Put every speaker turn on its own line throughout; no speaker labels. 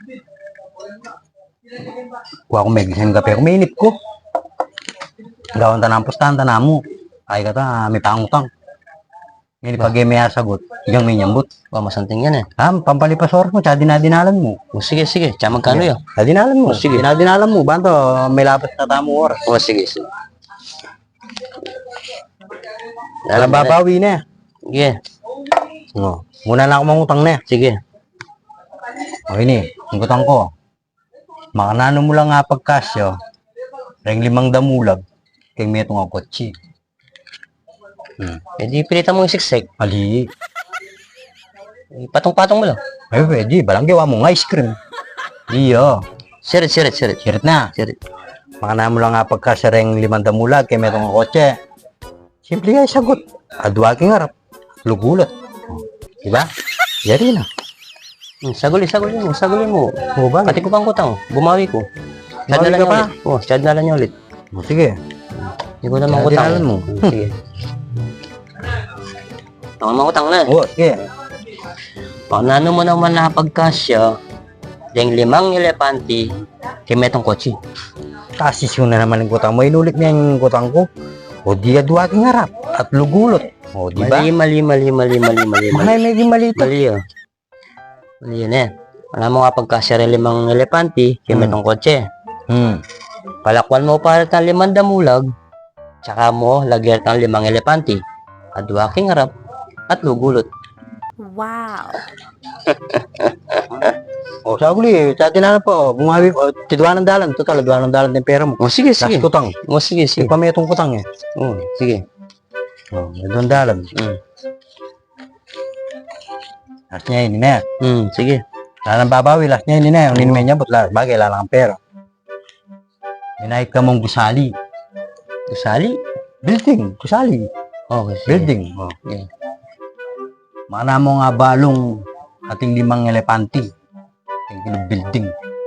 Kuha ko megisan kape ko, mainit ko. Gawang tanang pustahan, tanamo. Ay kata, may pangutang. Ngayon pag may sagot, hanggang may nyambut.
Wah, masanting yan eh.
Pampalipas oras mo, tsaka dinadinalan mo.
O, sige, sige. Tsaka magkano yun?
Dinadinalan mo.
Sige.
Dinadinalan mo. Banto, may lapas na tamo oras.
O, sige, sige.
Alam babawi na.
Sige.
No. Muna na ako mangutang na.
Sige.
Okay ni, ang utang ko. Makanano mo lang nga pagkasyo. Ring 5 damulag. Kaya may itong kotse.
Eh, di pilitan mo yung siksik.
Ali.
Patong-patong mo lang.
Ay, pwede. Balanggawa mo nga ice cream. Iyo.
Sirit, sirit, sirit.
Sirit na.
Sirit.
Makanano mo lang nga pagkasyo ring 5 damulag. Kaya may itong kotse. Simple nga sagot. Adwaking harap. Lugulat. Diba? Yari na.
Saguli, saguli mo, saguli mo.
O ba?
Pati ko pang kutang. Bumawi ko.
Bumawi ka pa?
Oh, sadala niya ulit.
O, sige.
Hindi ko naman kutang.
Dinalan mo.
Sige. Ako naman kutang na.
O, sige.
Paano mo naman nakapagkasya ding 5 elepante kay metong kotse?
Tasis yun na naman ang kutang mo. Inulit niya yung kutang ko. O di adwaking harap. At lugulot. O, di ba?
Mali.
Medyo mali ito.
Mali yun. Mali yun eh. Alam mo nga pagkasya rin 5 elepante kay metong kotse. Palakwan mo para ng 5 damulag, tsaka mo lagyan ng 5 elepante, adwaking harap, at lugulot.
Wow!
O, saguli. Sa atin na po. Bumawi po. Tidwa ng dalan. Total, tidwa ng dalan ng pera mo.
O sige, sige.
Last kutang.
O sige, sige.
Yung pametong kutang eh.
O, sige.
O, tidwa ng dalan. Last niya yun na.
Sige.
Lalang babawi. Last niya yun na. Yung ninimay niya. But bagay, lalang ang pera. Minahit ka mong gusali.
Gusali?
Building. Gusali.
Okay, sige.
Building. O.
Okay.
Mana mo nga balong ating 5 elepante. Yung building.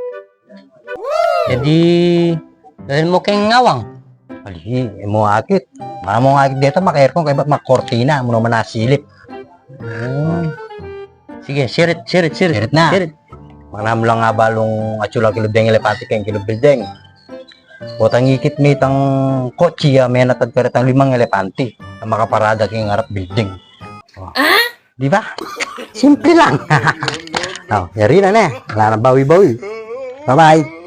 E di, dahil mo kayong ngawang.
Ali, mo akit. Mana mo akit dito, maka-aircon, kaya ba't makortina? Mo naman nasilip.
Sige, sirit.
Sirit na.
Sirit.
Mana mo lang nga balong atsula kilobdeng elepante kayong kilobdeng. Botang ikit may tang kotse, may natagkarit ang 5 elepante. Na makaparada kayong harap building. Oh. Di ba? Simple lang. Oh, yari na na. Wala na bawi-bawi. Bye-bye.